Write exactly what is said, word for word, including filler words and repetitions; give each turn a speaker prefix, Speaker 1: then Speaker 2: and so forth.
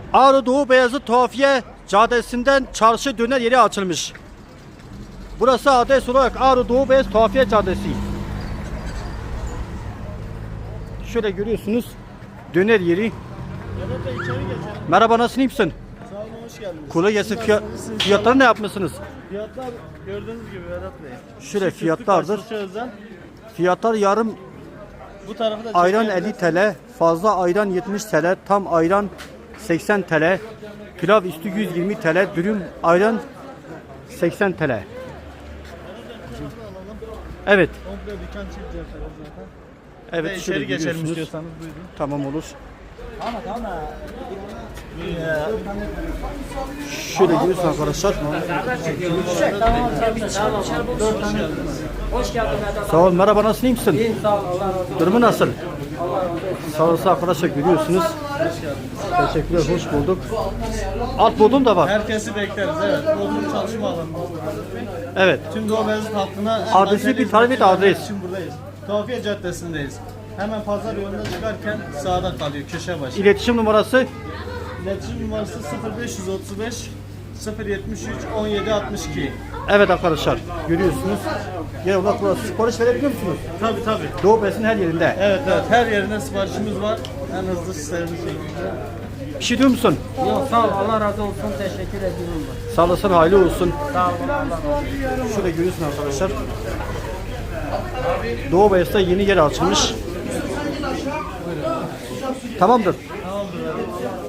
Speaker 1: Ağrı Doğu Beyazıt Tuhafiye Caddesi'nden çarşı döner yeri açılmış. Burası adres olarak Ağrı Doğu Beyazıt Tuhafiye Caddesi. Şöyle görüyorsunuz döner yeri. Merhaba, nasılsın, iyi misin?
Speaker 2: Sağ olun, hoş geldiniz.
Speaker 1: Kolay gelsin. Fiyat, fiyatları ne yapmışsınız?
Speaker 2: Fiyatlar gördüğünüz gibi Vedat Bey.
Speaker 1: Şöyle fiyatlardır.
Speaker 2: Özel.
Speaker 1: Fiyatlar yarım
Speaker 2: Bu tarafı da
Speaker 1: ayran
Speaker 2: çekelim.
Speaker 1: elli TL, fazla ayran yetmiş TL, tam ayran seksen TL, pilav üstü yüz yirmi TL, dürüm ayran seksen TL. Evet.
Speaker 2: Komple dükkan çekeceğiz zaten.
Speaker 1: Evet,
Speaker 2: Ve
Speaker 1: şöyle
Speaker 2: içeri geçelim
Speaker 1: görüyorsunuz.
Speaker 2: istiyorsanız buyurun.
Speaker 1: Tamam, olur.
Speaker 2: Ya,
Speaker 1: Şöyle görüyorsunuz arkadaşlar.
Speaker 3: Hoş geldin Vedat.
Speaker 1: Sağ ol, merhaba, nasılsın, iyi misin?
Speaker 3: İyiyim, sağ ol. Allah razı olsun.
Speaker 1: Durumu nasıl? Sağ olasın arkadaşlar, görüyorsunuz. Teşekkürler, hoş bulduk. Alt bodrum da var.
Speaker 2: herkesi bekleriz, evet. Bodrum çalışma alanı.
Speaker 1: Evet.
Speaker 2: Tüm Doğu Beyazıt halkına
Speaker 1: Adresi bir tarif et, adres.
Speaker 2: için buradayız. Tuhafiye Caddesi'ndeyiz. Hemen pazar yoluna çıkarken sağda kalıyor, köşe başı.
Speaker 1: İletişim numarası
Speaker 2: İletişim numarası sıfır beş otuz beş sıfır yetmiş üç on yedi altmış iki.
Speaker 1: evet arkadaşlar, görüyorsunuz. Genel olarak burası. Sipariş verebiliyor musunuz?
Speaker 2: Tabii tabii.
Speaker 1: Doğu Beyazıt'ın her yerinde.
Speaker 2: Evet evet, her yerine siparişimiz var. En hızlı servis şeklinde.
Speaker 1: Bir şey diyor musun?
Speaker 3: Yok, sağ ol. Allah razı olsun. Teşekkür ediyorum.
Speaker 1: Sağ olasın, hayırlı olsun.
Speaker 3: Sağ ol. Allah razı olsun.
Speaker 1: Şöyle görüyorsun arkadaşlar. Doğu Beyazıt'ta yeni yer açılmış. Tamamdır.